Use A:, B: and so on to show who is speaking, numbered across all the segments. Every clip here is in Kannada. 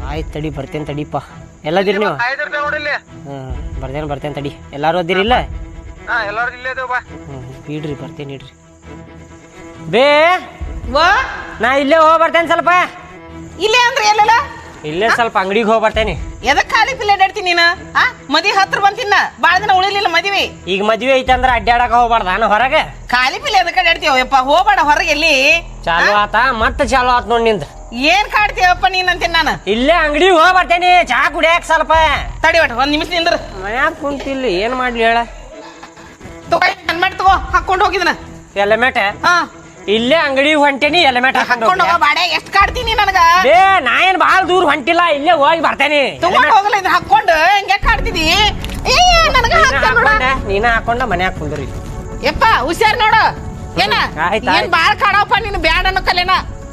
A: ಆಯ್ತು ತಡಿ ಬರ್ತೇನೆ ತಡಿಪ್ಪ. ಎಲ್ಲದಿರಿ ನೀವು? ಬರ್ತೇನೆ ತಡಿ. ಎಲ್ಲಾರು ಅದಿರಿ ಇಲ್ಲ? ಇಡ್ರಿ ಬರ್ತೇನೆ ಇಡ್ರಿ. ಬೇ ನಾ ಇಲ್ಲೇ ಹೋಗಿ ಬರ್ತೇನೆ ಸ್ವಲ್ಪ.
B: ಇಲ್ಲೇ ಅಂದ್ರೆ ಎಲ್ಲಲ್ಲ?
A: ಇಲ್ಲೇ ಸ್ವಲ್ಪ ಅಂಗಡಿಗೆ ಹೋಗಿ ಬರ್ತೇನೆ.
B: ಎದಕ್ ಖಾಲಿ ಪಿಲ್ಲೆ ಅಡ್ಯಾಡ್ತೀನಿ ನೀನು? ಮದ್ವಿ ಹತ್ರ ಬಂತಿನ್ನ ಬಾಳ ದಿನ ಉಳಿಲಿಲ್ಲ ಮದ್ವಿ.
A: ಈಗ ಮದ್ವೆ ಐತೆ ಅಂದ್ರೆ ಅಡ್ಡಾಡಕ ಹೋಗ್ಬಾರ್ದ ನಾನು ಹೊರಗೆ?
B: ಖಾಲಿ ಪಿಲ್ಲೆ ಎದಕ್ ಅಡ್ಯಾಡ್ತೀವಪ್ಪ? ಹೋಗ್ಬೇಡ ಹೊರಗೆ. ಎಲ್ಲಿ
A: ಚಾಲು ಆತ ಮತ್ತೆ ಚಾಲು ಆತ್ ನೋಡ್ ನಿಂದ.
B: ಏನ್ ಕಾಡ್ತೀವಪ್ಪ ನೀನ್ ಅಂತೀನಿ ನಾನು.
A: ಇಲ್ಲೇ ಅಂಗಡಿಗೆ ಹೋಗಿ ಬರ್ತೇನೆ ಚಾ ಕುಡಿಯಾಕ ಸ್ವಲ್ಪ.
B: ತಡಿ ಒಟ್ಟು ಒಂದ್ ನಿಮಿಷ ನಿಂದ್ರ.
A: ಮನ್ಯಾಗ ಕುಂತಿಲ್ಲ ಏನ್ ಮಾಡ್ಲಿ ಹೇಳ.
B: ಹೆಲ್ಮೆಟ್ ತಗೋ ಹಾಕೊಂಡು ಹೋಗಿದನ.
A: ಹೆಲ್ಮೆಟ್? ಇಲ್ಲೇ ಅಂಗಡಿ ಹೊಂಟೇನಿ ಹೆಲ್ಮೆಟ್
B: ಹಾಕೊಂಡು ಹೋಗ. ಬಾಡೆ ಎಷ್ಟ್ ಕಾಡ್ತೀನಿ ನನಗ?
A: ಬೇ ನಾ ಏನ್ ಬಾಳ ದೂರ ಹೊಂಟಿಲ್ಲ ಇಲ್ಲೇ ಹೋಗಿ ಬರ್ತೇನೆ.
B: ತಗೊಂಡ್ ಹೋಗಲ್ಲ ಇದು ಹಾಕೊಂಡು ಹೆಂಗೆ ಕಾಡ್ತಿದಿ?
A: ನೀನ ಹಾಕೊಂಡ ಮನ್ಯಾಗ ಕುಂದ್ರಿ.
B: ಯಪ್ಪ ಹುಷಾರ್ ನೋಡು. ಏನ ಏನ್ ಬಾಳ ಕಾಡವಪ್ಪ ನೀನು. ಬ್ಯಾಡ ಅನ್ನೋ ಕಲೆನ.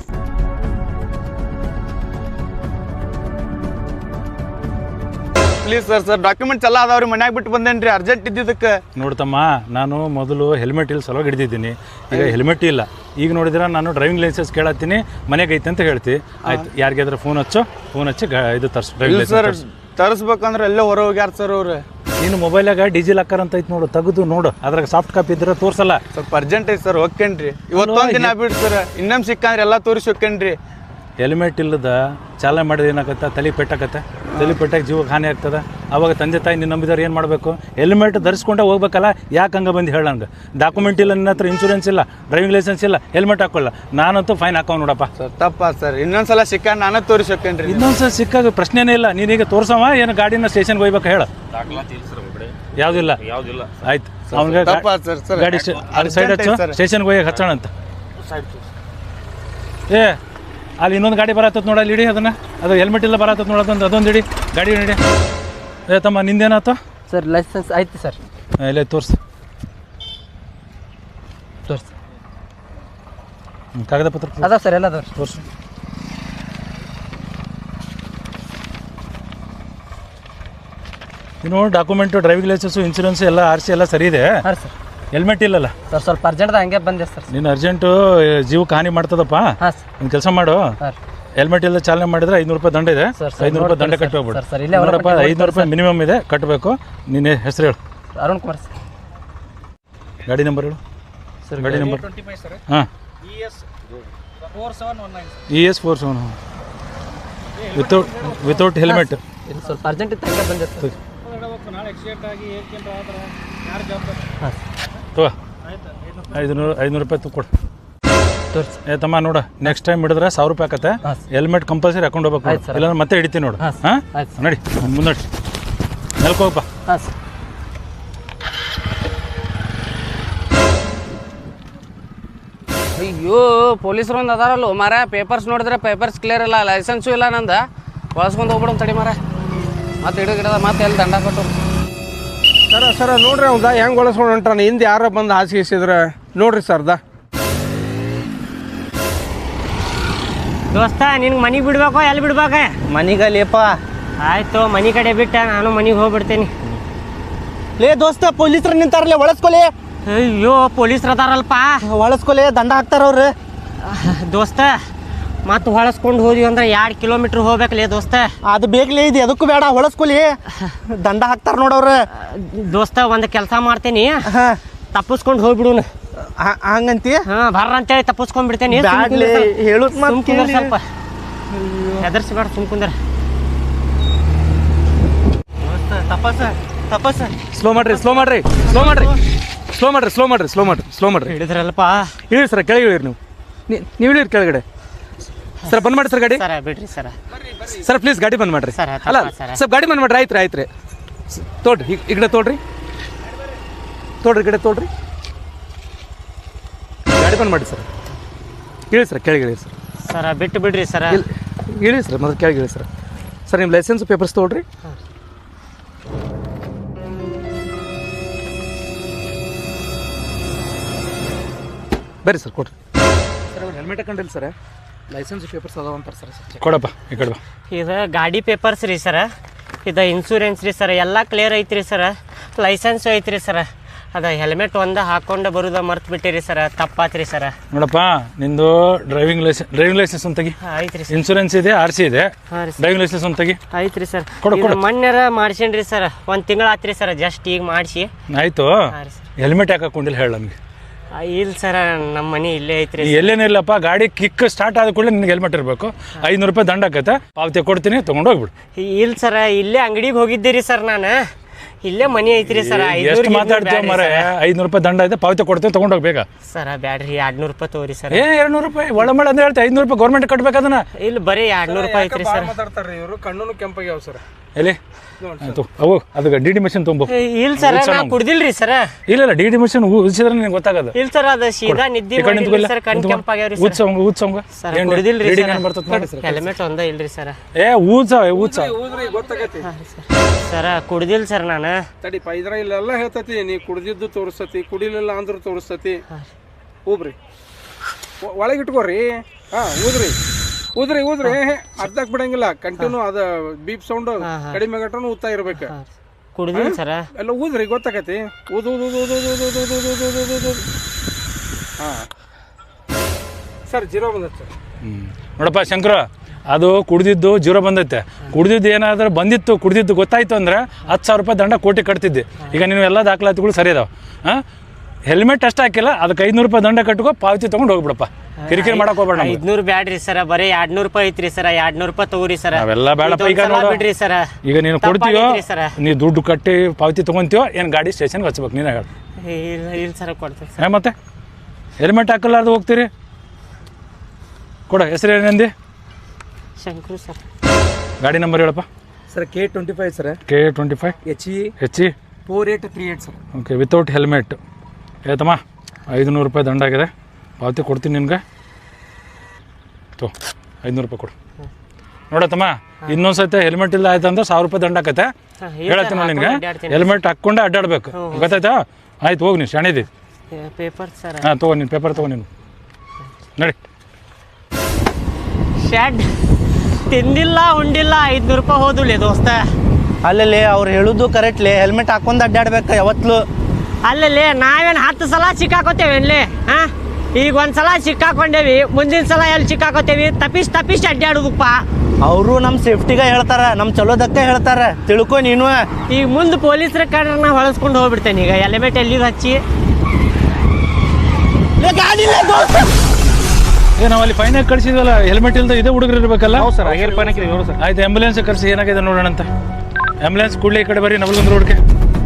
C: ಪ್ಲೀಸ್ ಸರ್ ಡಾಕ್ಯುಮೆಂಟ್ಸ್ ಎಲ್ಲ ಅದಾವ್ರಿ. ಮನ್ಯಾಗ ಬಿಟ್ಟು ಬಂದೇನ್ರಿ ಅರ್ಜೆಂಟ್ ಇದ್ದಿದ್ದಕ್ಕೆ.
D: ನೋಡ್ತಮ್ಮ, ನಾನು ಮೊದಲು ಹೆಲ್ಮೆಟ್ ಇಲ್ಲಿ ಸಲುವಾಗಿ ಹಿಡಿದಿದ್ದೀನಿ. ಈಗ ಹೆಲ್ಮೆಟ್ ಇಲ್ಲ. ಈಗ ನೋಡಿದ್ರೆ ನಾನು ಡ್ರೈವಿಂಗ್ ಲೈಸೆನ್ಸ್ ಕೇಳತ್ತೀನಿ, ಮನೆಗೆ ಐತೆ ಅಂತ ಹೇಳ್ತಿ. ಆಯ್ತು, ಯಾರಿಗಾದ್ರೆ ಫೋನ್ ಹಚ್ಚಿ ಇದು ತರ್ಸು ಡ್ರೈವಿಂಗ್ ಲೈಸೆನ್ಸ್.
C: ತರಿಸ್ಬೇಕಂದ್ರೆ ಎಲ್ಲೇ ಹೊರ ಹೋಗ್ಯಾರ ಸರ್ ಅವ್ರು.
D: ನೀನು ಮೊಬೈಲಾಗ ಡಿಜಿಲಾಕರ್ ಅಂತ ಐತೆ ನೋಡು, ತೆಗೆದು ನೋಡು. ಅದ್ರಾಗ ಸಾಫ್ಟ್ ಕಾಪಿ ಇದ್ರೆ ತೋರ್ಸಲ್ಲ.
C: ಸ್ವಲ್ಪ ಅರ್ಜೆಂಟ್ ಐತೆ ಸರ್, ಹೋಗ್ಕೇನ್ರಿ. ಇವತ್ತೊಂದು ದಿನ ಬಿಟ್ಟು ಸರ್, ಇನ್ನೊಮ್ಮೆ ಸಿಕ್ಕಂದ್ರೆ ಎಲ್ಲ ತೋರಿಸಿ ಹೋಗ್ಕೇನ್ರಿ.
D: ಹೆಲ್ಮೆಟ್ ಇಲ್ಲದ ಚಾಲನೆ ಮಾಡಿದ್ರೆ ಏನಾಗತ್ತೆ? ತಲೆ ಪೆಟ್ಟಾಗತ್ತೆ. ತಲೆ ಪೆಟ್ಟಾಗಿ ಜೀವಕ್ಕೆ ಹಾನಿ ಆಗ್ತದೆ. ಅವಾಗ ತಂದೆ ತಾಯಿ ನಿನ್ನ ನಂಬಿದವ್ರು ಏನು ಮಾಡಬೇಕು? ಹೆಲ್ಮೆಟ್ ಧರಿಸ್ಕೊಂಡೆ ಹೋಗ್ಬೇಕಲ್ಲ. ಯಾಕೆ ಹಂಗೆ ಬಂದು ಹೇಳಂಗೆ? ಡಾಕ್ಯುಮೆಂಟ್ ಇಲ್ಲ, ನಿನ್ನ ಹತ್ರ ಇನ್ಶೂರೆನ್ಸ್ ಇಲ್ಲ, ಡ್ರೈವಿಂಗ್ ಲೈಸೆನ್ಸ್ ಇಲ್ಲ, ಹೆಲ್ಮೆಟ್ ಹಾಕೊಳ್ಳ. ನಾನಂತೂ ಫೈನ್ ಹಾಕೋ ನೋಡಪ್ಪ.
C: ಸರ್ ತಪ್ಪ ಸರ್, ಇನ್ನೊಂದ್ಸಲ ಸಿಕ್ಕಂಡು ನಾನೇ ತೋರಿಸಿ ಹೋಗ್ಕೇನ್ರಿ.
D: ಇನ್ನೊಂದ್ಸಲ ಸಿಕ್ಕಾಗ ಪ್ರಶ್ನೆನೇ ಇಲ್ಲ. ನೀನೀಗ ತೋರ್ಸವ ಏನು ಗಾಡಿನ ಸ್ಟೇಷನ್ಗೆ ಹೋಗ್ಬೇಕು ಹೇಳ. ಯಾವುದಿಲ್ಲ ಆಯ್ತು. ಅವ್ನಿಗೆ ಗಾಡಿ ಸೈಡ್ ಹಚ್ಚು, ಸ್ಟೇಷನ್ಗೆ ಹೋಗಿ ಹಚ್ಚೋಣ ಅಂತ. ಅಲ್ಲಿ ಇನ್ನೊಂದು ಗಾಡಿ ಬರತ್ತದ ನೋಡ, ಅಲ್ಲಿ ಇಡಿ ಅದನ್ನು. ಅದು ಹೆಲ್ಮೆಟ್ ಇಲ್ಲ ಬರತ್ತದ ನೋಡೋದಂತ, ಅದೊಂದು ಇಡಿ ಗಾಡಿ ಇಡಿ. ತಮ್ಮ ನಿಂದೇನಾಯ್ತು?
A: ಸರ್ ಲೈಸೆನ್ಸ್ ಆಯ್ತು ಸರ್.
D: ಇಲ್ಲೇ ತೋರಿಸಿ ಕಾಗದ ಪತ್ರ
A: ಅದಾವ ಸರ್, ಎಲ್ಲ ಅದಾವ.
D: ತೋರಿಸು. ಇನ್ನು ಡಾಕ್ಯುಮೆಂಟು, ಡ್ರೈವಿಂಗ್ ಲೈಸೆನ್ಸು, ಇನ್ಶೂರೆನ್ಸ್ ಎಲ್ಲ RC ಎಲ್ಲ ಸರಿ ಇದೆ.
A: ಹಾಂ ಸರ್.
D: ಹೆಲ್ಮೆಟ್ ಇಲ್ಲಲ್ಲ
A: ಸರ್? ಸ್ವಲ್ಪ ಅರ್ಜೆಂಟ್ದ ಹಂಗೆ ಬಂದೆ ಸರ್.
D: ನೀನು ಅರ್ಜೆಂಟು ಜೀವಕ್ಕೆ ಹಾನಿ ಮಾಡ್ತದಪ್ಪ.
A: ಹಾಂ ಸರ್.
D: ಒಂದು ಕೆಲಸ ಮಾಡು, ಹೆಲ್ಮೆಟ್ ಇಲ್ಲ ಚಾಲನೆ ಮಾಡಿದ್ರೆ 500 ರೂಪಾಯಿ ದಂಡ ಇದೆ. 500 ರೂಪಾಯಿ ದಂಡ ಕಟ್ಟೋಗ್ಬಿಡು. 500 ರೂಪಾಯಿ ಮಿನಿಮಮ್ ಇದೆ, ಕಟ್ಟಬೇಕು. ನಿನ್ನೆ ಹೆಸರು ಹೇಳು.
A: ಅರುಣ್ ಕುಮಾರ್ ಸರ್.
D: ಗಾಡಿ ನಂಬರ್ ಹೇಳು ಸರ್. ಗಾಡಿ ನಂಬರ್ ಹಾಂ ES 47 ವಿತೌಟ್ ಹೆಲ್ಮೆಟ್.
A: ಸ್ವಲ್ಪ ಅರ್ಜೆಂಟ್ ಇತ್ತು ಹಂಗೆ ಬಂದೆ ಸರ್.
D: ತಗೋ 500 ರೂಪಾಯಿ ಕೊಡು. ತಮ್ಮ ನೋಡ, ನೆಕ್ಸ್ಟ್ ಟೈಮ್ ಹಿಡಿದ್ರೆ 1000 ರೂಪಾಯಿ ಆಕತ್ತೆ. ಹೆಲ್ಮೆಟ್ ಕಂಪಲ್ಸರಿ ಹಾಕೊಂಡು ಹೋಗ್ಬೇಕು, ಇಲ್ಲಾಂದ್ರೆ ಮತ್ತೆ ಹಿಡಿತೀನಿ ನೋಡು. ಹಾಂ ನಡಿ ಮುಂದಡಿ, ನೆಲ್ಕೋಗಪ್ಪ.
A: ಹಾಂ ಸರ್. ಅಯ್ಯೋ ಪೊಲೀಸರು ಒಂದು ಅದಾರಲ್ಲ ಮಾರ. ಪೇಪರ್ಸ್ ನೋಡಿದ್ರೆ ಪೇಪರ್ಸ್ ಕ್ಲಿಯರ್ ಇಲ್ಲ, ಲೈಸೆನ್ಸು ಇಲ್ಲ ನಂದು. ಬಳಸ್ಕೊಂಡು ಹೋಗ್ಬಿಡೋಣ ತಡಿ ಮಾರ. ಮತ್ತೆ ಹಿಡಿದ ಮತ್ತೆ ಎಲ್ಲಿ ದಂಡ ಕೊಟ್ಟು.
E: ಸರ ನೋಡ್ರಿ ಅವ್ದ ಹೆಂಗೆ ಒಳಸ್ಕೊಂಡು ಹೊಂಟಾನ. ಹಿಂದೆ ಯಾರ ಬಂದು ಹಾಸಿಗೆಸಿದ್ರೆ ನೋಡ್ರಿ ಸರ್ದ.
A: ದೋಸ್ತ ನಿನ್ಗೆ ಮನೆಗೆ ಬಿಡ್ಬೇಕೋ ಎಲ್ಲಿ ಬಿಡ್ಬೇಕ?
F: ಮನಿಗಲ್ಲಿಯಪ್ಪ.
A: ಆಯ್ತು, ಮನೆ ಕಡೆ ಬಿಟ್ಟ ನಾನು ಮನೆಗೆ ಹೋಗ್ಬಿಡ್ತೇನೆ.
F: ಲೇ ದೋಸ್ತ, ಪೊಲೀಸರು ನಿಂತಾರಲ್ಲೇ, ಒಳಸ್ಕೊಲಿ.
A: ಅಯ್ಯೋ ಪೊಲೀಸ್ರು ಅದಾರಲ್ಪ,
F: ಒಳಸ್ಕೊಲಿ, ದಂಡ ಹಾಕ್ತಾರ ಅವ್ರು.
A: ದೋಸ್ತ ಮತ್ತೆ ಹೊಳಸ್ಕೊಂಡು ಹೋದ್ವಿ ಅಂದ್ರೆ 2 ಕಿಲೋಮೀಟ್ರ್ ಹೋಗ್ಬೇಕಲೇ ದೋಸ್ತ.
F: ಅದು ಬೇಕಲೇ, ಇದು ಎದಕ್ಕೂ ಬೇಡ, ಹೊಳಸ್ಕೊಲಿ, ದಂಡ ಹಾಕ್ತಾರ ನೋಡವ್ರು.
A: ದೋಸ್ತ ಒಂದು ಕೆಲಸ ಮಾಡ್ತೇನಿ, ತಪ್ಪಿಸ್ಕೊಂಡು ಹೋಗ್ಬಿಡುನು.
F: ಹಂಗಂತಿ?
A: ಹಾಂ ಬರ್ರ ಅಂತೇಳಿ ತಪ್ಪಿಸ್ಕೊಂಡ್ ಬಿಡ್ತೇನೆ.
F: ಹೇಳುದ್
A: ಸ್ವಲ್ಪ ಹೆದರ್ಸ್ಬೇಡ, ಸುಮ್ಕುಂದ್ರ.
F: ತಪಸ್
E: ಸ್ಲೋ ಮಾಡ್ರಿ.
A: ಹಿಡಿದ್ರಲ್ಪ.
E: ಇಳಿರಿ ಸರ್, ಕೆಳಗೆ ಇಳಿರಿ. ನೀವು ಇಳಿರಿ ಕೆಳಗಡೆ. ಸರ್ ಬಂದ್ ಮಾಡಿ ಸರ್ ಗಾಡಿ.
A: ಸರ ಬಿಡ್ರಿ ಸರ.
E: ಸರ್ ಪ್ಲೀಸ್ ಗಾಡಿ ಬಂದ್ ಮಾಡ್ರಿ. ಅಲ್ಲ ಸರ್ ಗಾಡಿ ಬಂದ್ ಮಾಡ್ರಿ. ಆಯ್ತು ತೋಡ್ರಿ, ಈ ಕಡೆ ತೋಡ್ರಿ ಗಿಡ ಗಾಡಿ ಬಂದ್ ಮಾಡಿ ಸರ್. ಇಳಿ ಸರ್, ಕೆಳಗೆ ಇಳಿ ಸರ್.
A: ಸರ ಬಿಟ್ಟು ಬಿಡ್ರಿ ಸರ.
E: ಇಳಿ ಸರ್, ಮೊದಲು ಕೆಳಗೆ ಇಳಿ ಸರ್. ಸರ್ ನಿಮ್ಮ ಲೈಸೆನ್ಸ್ ಪೇಪರ್ಸ್ ತೊಗೊಳ್ರಿ. ಬರ್ರಿ ಸರ್, ಕೊಡ್ರಿ ಸರ್. ಅವ್ರು ಹೆಲ್ಮೆಟ್ ಹಾಕೊಂಡಿಲ್ಲ ಸರ್, ಲೈಸೆನ್ಸ್ ಪೇಪರ್ಸ್ ಅದಾವ ಅಂತಾರೆ ಸರ್. ಕೊಡಪ್ಪ, ಈ ಕಡೆ ಬಾ.
A: ಇದು ಗಾಡಿ ಪೇಪರ್ಸ್ ರೀ ಸರ, ಇದು ಇನ್ಶೂರೆನ್ಸ್ ರೀ ಸರ್, ಎಲ್ಲ ಕ್ಲಿಯರ್ ಐತ್ರಿ ಸರ್. ಲೈಸೆನ್ಸು ಐತ್ರಿ ಸರ್.
G: ಅದ ಹೆಲ್ಮೆಟ್ ಒಂದ ಹಾಕೊಂಡು ಬರುದ ಮರ್ತ್ ಬಿಟ್ಟಿರಿ ಸರ, ತಪ್ಪಾತ್ರಿ ಸರ.
D: ನೋಡಪ್ಪ, ನಿಂದು ಡ್ರೈವಿಂಗ್ ಲೈಸೆನ್ಸ್ ಅಂತ ತೆಗಿ.
G: ಐತ್ರಿ ಸರ್.
D: ಇನ್ಸೂರೆನ್ಸ್ ಇದೆ, RC ಇದೆ, ಡ್ರೈವಿಂಗ್ ಲೈಸೆನ್ಸ್ ಅಂತ ತೆಗಿ.
G: ಐತ್ರಿ ಸರ್.
D: ಕೊಡು.
G: ಮೊನ್ನೆರ ಮಾಡ್ಸೇನ್ರಿ ಸರ್, 1 ತಿಂಗಳ ಆತ್ರಿ ಸರ್, ಜಸ್ಟ್ ಈಗ ಮಾಡಿಸಿ.
D: ಆಯ್ತು. ಹೆಲ್ಮೆಟ್ ಯಾಕೆ ಹಾಕೊಂಡಿಲ್ಲ ಹೇಳ ನಮಗೆ.
G: ಇಲ್ಲ ಸರ, ನಮ್ಮ ಮನೆ ಇಲ್ಲೇ ಐತ್ರಿ.
D: ಎಲ್ಲೇನಿಲ್ಲಪ್ಪ, ಗಾಡಿ ಕಿಕ್ ಸ್ಟಾರ್ಟ್ ಆದ ಕೂಡಲೇ ನಿನ್ಗೆ ಹೆಲ್ಮೆಟ್ ಇರಬೇಕು. 500 ರೂಪಾಯಿ ದಂಡ ಆಕತ್ತೆ, ಪಾವತಿ ಕೊಡ್ತೀನಿ, ತೊಗೊಂಡು ಹೋಗ್ಬಿಡು.
G: ಇಲ್ಲ ಸರ, ಇಲ್ಲೇ ಅಂಗಡಿಗೆ ಹೋಗಿದ್ದೀರಿ ಸರ್, ನಾನು ಇಲ್ಲೇ ಮನೆ ಐತ್ರಿ ಸರ್.
D: ಎಷ್ಟು ಮಾತಾಡ್ತೀವಿ ಮರ, 500 ರೂಪಾಯಿ ದಂಡ ಐತೆ, ಪಾವತಿ ಕೊಡ್ತೀವಿ, ತೊಗೊಂಡು ಹೋಗ್ಬೇಕಾ
G: ಸರ? ಬ್ಯಾಡ್ರಿ, 200 ರೂಪಾಯಿ ತಗೋರಿ ಸರ್.
D: 200 ರೂಪಾಯಿ ಒಳಮಳ ಅಂದ್ರೆ ಹೇಳ್ತಾ 500 ರೂಪಾಯಿ ಗೌರ್ಮೆಂಟ್ ಕಟ್ಬೇಕು ಅದನ್ನ.
G: ಇಲ್ಲ, ಬರೀ 200 ರೂಪಾಯಿ ಐತ್ರಿ ಸರ್.
E: ಮಾತಾಡ್ತಾರ್ರಿ ಇವರು, ಕಣ್ಣು ಕೆಂಪಾಗ್ಯಾವ ಸರ್.
D: ಎಲ್ಲಿ ಅವು ಅದಕ್ಕೆ DD ಮಿಷನ್ ತುಂಬ.
G: ಇಲ್ಲ ಸರ್, ನಾ ಕುಡ್ದಿಲ್ರಿ ಸರ್.
D: ಇಲ್ಲ DD ಮಿಷನ್ ಉಳಿಸಿದ್ರೆ ನಿನಗೆ ಗೊತ್ತಾಗದು.
G: ಇಲ್ಲ ಸರ್, ಅದು ಸೀದಾ ನಿದ್ದೆ ಮಾಡಿಲ್ಲ ಸರ್, ಕಣ್ ಕೆಂಪಾಗ್ಯಾವ್ರಿ ಸರ್. ಸರ್ ಕುಡ್ದಿಲ್ರಿ ಸರ್, ಹೆಲ್ಮೆಟ್ ಒಂದ ಇಲ್ರಿ ಸರ್.
E: ಊದ್ರಿ ಗೊತ್ತಾಗತಿ
G: ಸರ, ಕುಡ್ದಿಲ್ಲ ಸರ್ ನಾನು.
E: ತಡಿಪ, ಇದ್ರ ಇಲ್ಲೆಲ್ಲ ಹೇಳ್ತತಿ, ನೀ ಕುಡ್ದಿದ್ದು ತೋರಿಸ್ತತಿ, ಕುಡಿಲಿಲ್ಲ ಅಂದ್ರೂ ತೋರಿಸ್ತತಿ. ಊಬ್ರಿ, ಒಳಗಿಟ್ಕೋರಿ. ಊದ್ರಿ ಅರ್ಧಕ್ ಬಿಡಂಗಿಲ್ಲ, ಕಂಟಿನ್ಯೂ ಅದ ಬೀಪ್ ಸೌಂಡ್ ಕಡಿಮೆ ಗಂಟನು ಊದ್ತಾ ಇರ್ಬೇಕು.
G: ಕುಡ್ದಿಲ್ಲ ಸರ,
E: ಎಲ್ಲ ಊದ್ರಿ ಗೊತ್ತಾಗತಿ. ಹಾ ಸರ್, 0 ಬಂದೈತೆ ಸರ್.
D: ನೋಡಪ್ಪ ಶಂಕರ, ಅದು ಕುಡ್ದಿದ್ದು 0 ಬಂದೈತೆ. ಕುಡ್ದಿದ್ದು ಏನಾದ್ರೂ ಬಂದಿತ್ತು, ಕುಡ್ದಿದ್ದು ಗೊತ್ತಾಯ್ತು ಅಂದ್ರೆ 10,000 ರೂಪಾಯಿ ದಂಡ ಕೋಟಿ ಕಟ್ತಿದ್ದೆ. ಈಗ ನೀವು ಎಲ್ಲ ದಾಖಲಾತಿಗಳು ಸರಿ ಅದಾವ. ಹೆಲ್ಮೆಟ್ ಅಷ್ಟು ಹಾಕಿಲ್ಲ, ಅದಕ್ಕೆ 500 ರೂಪಾಯಿ ದಂಡ ಕಟ್ಕೋ, ಪಾವತಿ ತೊಗೊಂಡು ಹೋಗ್ಬಿಡಪ್ಪ. ಕಿರಿಕಿರಿ ಮಾಡಕ್ ಹೋಗ್ಬೇಡ.
G: 500 ಬ್ಯಾಡ್ರಿ ಸರ, ಬರೀ 200 ರೂಪಾಯಿ ಐತ್ರಿ ಸರ. 200 ರೂಪಾಯಿ ತಗೋರಿ ಸರ.
D: ಅವೆಲ್ಲ ಬೇಡಪ್ಪ. ಈಗ
G: ಬಿಡ್ರಿ ಸರ,
D: ಈಗ ನೀನು ಕೊಡ್ತೀಯೋ, ನೀ ದುಡ್ಡು ಕಟ್ಟಿ ಪಾವತಿ ತೊಗೊಂತೀವೋ ಏನು, ಗಾಡಿ ಸ್ಟೇಷನ್ಗೆ ಹಚ್ಬೇಕು. ನೀನು ಹೇಳ.
G: ಇಲ್ಲ ಸರ, ಕೊಡ್ತೀನಿ.
D: ಮತ್ತೆ ಹೆಲ್ಮೆಟ್ ಹಾಕಲಾರ್ದು ಹೋಗ್ತೀರಿ? ಕೊಡ. ಹೆಸರು ಏನಂದಿ?
G: ಶಂಕರು ಸರ್.
D: ಗಾಡಿ ನಂಬರ್ ಹೇಳಪ್ಪ.
E: Sir K25 sir.
D: K25 HE
E: 4838 sir.
D: Okay, without helmet. ಆಯ್ತಮ್ಮ, 500 ರೂಪಾಯಿ ದಂಡ ಆಗಿದೆ, ಪಾವತಿ ಕೊಡ್ತೀನಿ ನಿನ್ಗೆ. 500 ರೂಪಾಯಿ ಕೊಡು. ನೋಡತ್ತಮ್ಮ, ಇನ್ನೊಂದ್ಸತಿ ಹೆಲ್ಮೆಟ್ ಇಲ್ಲ ಆಯ್ತು ಅಂದ್ರೆ 1000 ರೂಪಾಯಿ ದಂಡ ಆಕತ್ತೆ. ಹೇಳತ್ತೀನಿ ನಿನ್ಗೆ, ಹೆಲ್ಮೆಟ್ ಹಾಕ್ಕೊಂಡೆ ಅಡ್ಡಾಡ್ಬೇಕು, ಗೊತ್ತಾಯ್ತಾ? ಆಯ್ತು, ಹೋಗಿ ನೀನು ಶಾಣಿದಿ.
G: Paper sir.
D: ಹಾಂ, ತಗೋ ನೀನು ಪೇಪರ್ ತಗೋ. ನೀನು ನಡಿ.
G: ಶೆಡ್ ತಿಂದಿಲ್ಲ, ಉಂಡಿಲ್ಲ, 500 ರೂಪಾಯಿ ಹೋದುಲೇ ದೋಸ್ತ.
F: ಅಲ್ಲಲ್ಲಿ ಅವ್ರು ಹೇಳುದು ಕರೆಕ್ಟ್ಲಿ, ಹೆಲ್ಮೆಟ್ ಹಾಕೊಂಡು ಅಡ್ಡಾಡ್ಬೇಕು ಯಾವತ್ತೂ.
G: ಅಲ್ಲಲ್ಲಿ ನಾವೇನು 10 ಸಲ ಸಿಕ್ಕಾಕೋತೇವೇನ್ಲಿ? ಹಾಂ, ಈಗ 1 ಸಲ ಸಿಕ್ಕಾಕೊಂಡೇವಿ, ಮುಂದಿನ ಸಲ ಎಲ್ಲಿ ಸಿಕ್ಕಾಕೋತೇವಿ? ತಪ್ಪಿಸಿ ಅಡ್ಡಾಡೋದಪ್ಪ.
F: ಅವರು ನಮ್ಮ ಸೇಫ್ಟಿಗೆ ಹೇಳ್ತಾರ, ನಮ್ಮ ಚಲೋದಕ್ಕೆ ಹೇಳ್ತಾರ, ತಿಳ್ಕೊ ನೀನು.
G: ಈಗ ಮುಂದೆ ಪೊಲೀಸರ ಕಂಡ್ರೆ ನಾ ಹೊಳಸ್ಕೊಂಡು ಹೋಗ್ಬಿಡ್ತೇನೆ. ಈಗ ಹೆಲ್ಮೆಟ್ ಎಲ್ಲಿ ಹಚ್ಚಿ
D: ನಾವು ಅಲ್ಲಿ ಫೈನಾಗಿ ಕಳಿಸಿದ್ವಲ್ಲ, ಹೆಲ್ಮೆಟ್ ಇಲ್ಲದೆ ಇದೇ ಹುಡುಗರು ಇರಬೇಕಲ್ಲ.
E: ಸರ್, ಆಗೇರ್ ಪಾನಕ್ಕೆ ಸರ್.
D: ಆಯ್ತು, ಆಂಬುಲೆನ್ಸ್ ಕರೆಸಿ, ಏನಾಗಿದೆ ನೋಡೋಣ ಅಂತ. ಆಂಬುಲೆನ್ಸ್ ಕೂಡಲೇ ಈ ಕಡೆ ಬರ್ರಿ, ನವಲಗುಂದ ರೋಡ್ಗೆ.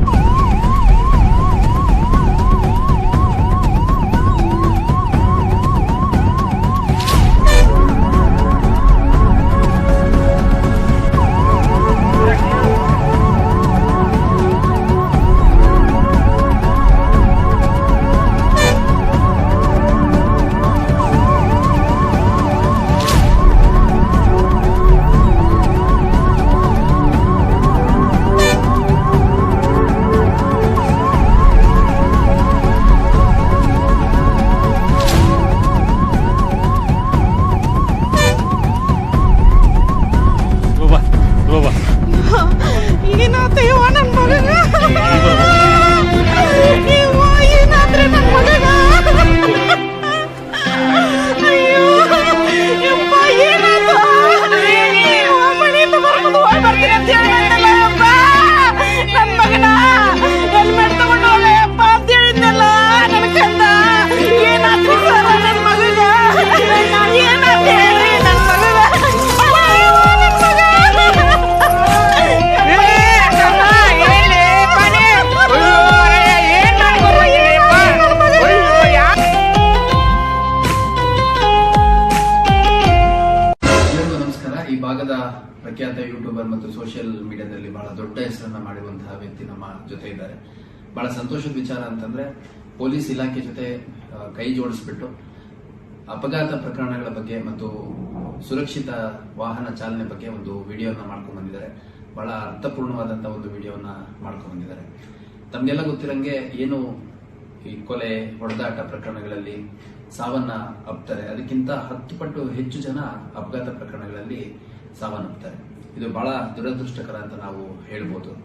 H: ಪ್ರಖ್ಯಾತ ಯೂಟ್ಯೂಬರ್ ಮತ್ತು ಸೋಷಿಯಲ್ ಮೀಡಿಯಾದಲ್ಲಿ ಬಹಳ ದೊಡ್ಡ ಹೆಸರನ್ನ ಮಾಡಿರುವಂತಹ ವ್ಯಕ್ತಿ ನಮ್ಮ ಜೊತೆ ಇದ್ದಾರೆ. ಬಹಳ ಸಂತೋಷದ ವಿಚಾರ ಅಂತಂದ್ರೆ ಪೊಲೀಸ್ ಇಲಾಖೆ ಜೊತೆ ಕೈ ಜೋಡಿಸ್ಬಿಟ್ಟು ಅಪಘಾತ ಪ್ರಕರಣಗಳ ಬಗ್ಗೆ ಮತ್ತು ಸುರಕ್ಷಿತ ವಾಹನ ಚಾಲನೆ ಬಗ್ಗೆ ಒಂದು ವಿಡಿಯೋನ ಮಾಡ್ಕೊಂಡು ಬಂದಿದ್ದಾರೆ. ಬಹಳ ಅರ್ಥಪೂರ್ಣವಾದಂತಹ ಒಂದು ವಿಡಿಯೋನ ಮಾಡ್ಕೊಂಡು ಬಂದಿದ್ದಾರೆ. ತಮ್ಗೆಲ್ಲ ಗೊತ್ತಿರಂಗೆ ಏನು ಈ ಕೊಲೆ ಹೊಡೆದಾಟ ಪ್ರಕರಣಗಳಲ್ಲಿ ಸಾವನ್ನ ಅಪ್ತಾರೆ, ಅದಕ್ಕಿಂತ 10 ಪಟ್ಟು ಹೆಚ್ಚು ಜನ ಅಪಘಾತ ಪ್ರಕರಣಗಳಲ್ಲಿ ಸಾವನ್ನಪ್ತಾರೆ. ಇದು ಬಹಳ ದುರದೃಷ್ಟಕರ ಅಂತ ನಾವು ಹೇಳ್ಬೋದು.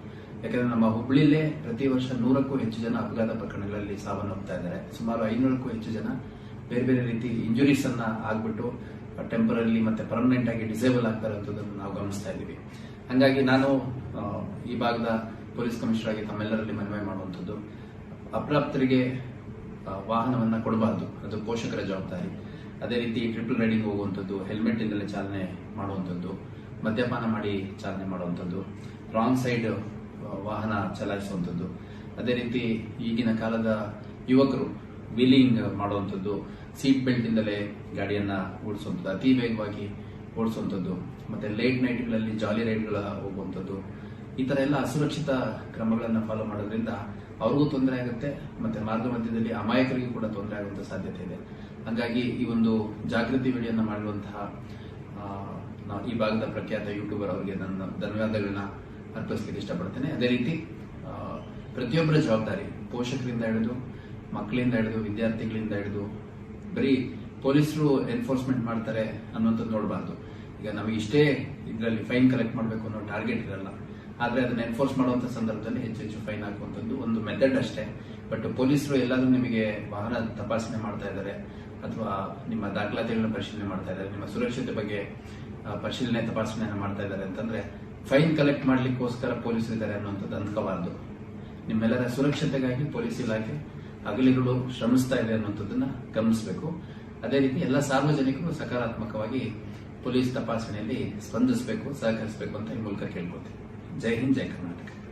H: ಯಾಕಂದ್ರೆ ನಮ್ಮ ಹುಬ್ಳಿಲೇ ಪ್ರತಿ ವರ್ಷ 100ಕ್ಕೂ ಹೆಚ್ಚು ಜನ ಅಪಘಾತ ಪ್ರಕರಣಗಳಲ್ಲಿ ಸಾವನ್ನಪ್ತಾ ಇದ್ದಾರೆ. ಸುಮಾರು 500ಕ್ಕೂ ಹೆಚ್ಚು ಜನ ಬೇರೆ ಬೇರೆ ರೀತಿ ಇಂಜುರೀಸ್ ಅನ್ನ ಆಗ್ಬಿಟ್ಟು ಟೆಂಪರರಿ ಮತ್ತೆ ಪರ್ಮನೆಂಟ್ ಆಗಿ ಡಿಸೇಬಲ್ ಆಗ್ತಾ ಇರೋದನ್ನು ನಾವು ಗಮನಿಸ್ತಾ ಇದ್ದೀವಿ. ಹಾಗಾಗಿ ನಾನು ಈ ಭಾಗದ ಪೊಲೀಸ್ ಕಮಿಷನರ್ ಆಗಿ ತಮ್ಮೆಲ್ಲರಲ್ಲಿ ಮನವಿ ಮಾಡುವಂಥದ್ದು, ಅಪ್ರಾಪ್ತರಿಗೆ ವಾಹನವನ್ನ ಕೊಡಬಾರ್ದು, ಅದು ಪೋಷಕರ ಜವಾಬ್ದಾರಿ. ಅದೇ ರೀತಿ ಟ್ರಿಪಲ್ ರೈಡಿಂಗ್ ಹೋಗುವಂಥದ್ದು, ಹೆಲ್ಮೆಟ್ ಇಲ್ಲದೆ ಚಾಲನೆ ಮಾಡುವಂಥದ್ದು, ಮದ್ಯಪಾನ ಮಾಡಿ ಚಾಲನೆ ಮಾಡುವಂಥದ್ದು, ರಾಂಗ್ ಸೈಡ್ ವಾಹನ ಚಲಾಯಿಸುವಂಥದ್ದು, ಅದೇ ರೀತಿ ಈಗಿನ ಕಾಲದ ಯುವಕರು ವೀಲಿಂಗ್ ಮಾಡುವಂಥದ್ದು, ಸೀಟ್ ಬೆಲ್ಟ್ ಇಂದಲೇ ಗಾಡಿಯನ್ನ ಓಡಿಸುವಂಥದ್ದು, ಅತಿ ವೇಗವಾಗಿ ಓಡಿಸುವಂಥದ್ದು, ಮತ್ತೆ ಲೇಟ್ ನೈಟ್ಗಳಲ್ಲಿ ಜಾಲಿ ರೈಡ್ಗಳ ಹೋಗುವಂಥದ್ದು, ಈ ತರ ಎಲ್ಲ ಅಸುರಕ್ಷಿತ ಕ್ರಮಗಳನ್ನು ಫಾಲೋ ಮಾಡೋದ್ರಿಂದ ಅವ್ರಿಗೂ ತೊಂದರೆ ಆಗುತ್ತೆ, ಮತ್ತೆ ಮಾರ್ಗ ಮಧ್ಯದಲ್ಲಿ ಅಮಾಯಕರಿಗೂ ಕೂಡ ತೊಂದರೆ ಆಗುವಂತ ಸಾಧ್ಯತೆ ಇದೆ. ಹಾಗಾಗಿ ಈ ಒಂದು ಜಾಗೃತಿ ವಿಡಿಯೋನ ಮಾಡಿರುವಂತಹ ಈ ಭಾಗದ ಪ್ರಖ್ಯಾತ ಯೂಟ್ಯೂಬರ್ ಅವರಿಗೆ ನನ್ನ ಧನ್ಯವಾದಗಳನ್ನ ಅರ್ಪಿಸಲಿಕ್ಕೆ ಇಷ್ಟಪಡ್ತೇನೆ. ಅದೇ ರೀತಿ ಪ್ರತಿಯೊಬ್ಬರ ಜವಾಬ್ದಾರಿ, ಪೋಷಕರಿಂದ ಹಿಡಿದು ಮಕ್ಕಳಿಂದ ಹಿಡಿದು ವಿದ್ಯಾರ್ಥಿಗಳಿಂದ ಹಿಡಿದು ಬರೀ ಪೊಲೀಸರು ಎನ್ಫೋರ್ಸ್ಮೆಂಟ್ ಮಾಡ್ತಾರೆ ಅನ್ನುವಂಥದ್ದು ನೋಡಬಾರ್ದು. ಈಗ ನಮಗೆ ಇಷ್ಟೇ ಇದರಲ್ಲಿ ಫೈನ್ ಕಲೆಕ್ಟ್ ಮಾಡಬೇಕು ಅನ್ನೋ ಟಾರ್ಗೆಟ್ ಇರಲ್ಲ, ಆದ್ರೆ ಅದನ್ನ ಎನ್ಫೋರ್ಸ್ ಮಾಡುವಂತ ಸಂದರ್ಭದಲ್ಲಿ ಹೆಚ್ಚು ಫೈನ್ ಹಾಕುವಂಥದ್ದು ಒಂದು ಮೆಥಡ್ ಅಷ್ಟೇ. ಬಟ್ ಪೊಲೀಸರು ಎಲ್ಲಾದ್ರೂ ನಿಮಗೆ ವಾಹನ ತಪಾಸಣೆ ಮಾಡ್ತಾ ಇದ್ದಾರೆ ಅಥವಾ ನಿಮ್ಮ ದಾಖಲಾತಿಗಳನ್ನ ಪರಿಶೀಲನೆ ಮಾಡ್ತಾ ಇದ್ದಾರೆ, ನಿಮ್ಮ ಸುರಕ್ಷತೆ ಬಗ್ಗೆ ಪರಿಶೀಲನೆ ತಪಾಸಣೆಯನ್ನು ಮಾಡ್ತಾ ಇದ್ದಾರೆ ಅಂತಂದ್ರೆ ಫೈನ್ ಕಲೆಕ್ಟ್ ಮಾಡ್ಲಿಕ್ಕೋಸ್ಕರ ಪೊಲೀಸರು ಇದ್ದಾರೆ ಅನ್ನುವಂಥದ್ದು ಅನ್ಕೋಬಾರ್ದು. ನಿಮ್ಮೆಲ್ಲರ ಸುರಕ್ಷತೆಗಾಗಿ ಪೊಲೀಸ್ ಇಲಾಖೆ ಹಗಲಿರುಳು ಶ್ರಮಿಸ್ತಾ ಇದೆ ಅನ್ನುವಂಥದ್ದನ್ನ ಗಮನಿಸಬೇಕು. ಅದೇ ರೀತಿ ಎಲ್ಲ ಸಾರ್ವಜನಿಕರು ಸಕಾರಾತ್ಮಕವಾಗಿ ಪೊಲೀಸ್ ತಪಾಸಣೆಯಲ್ಲಿ ಸ್ಪಂದಿಸಬೇಕು, ಸಹಕರಿಸಬೇಕು ಅಂತ ಈ ಮೂಲಕ ಕೇಳ್ಕೊತೀನಿ. ಜೈ ಹಿಂದ್, ಜೈ ಕರ್ನಾಟಕ.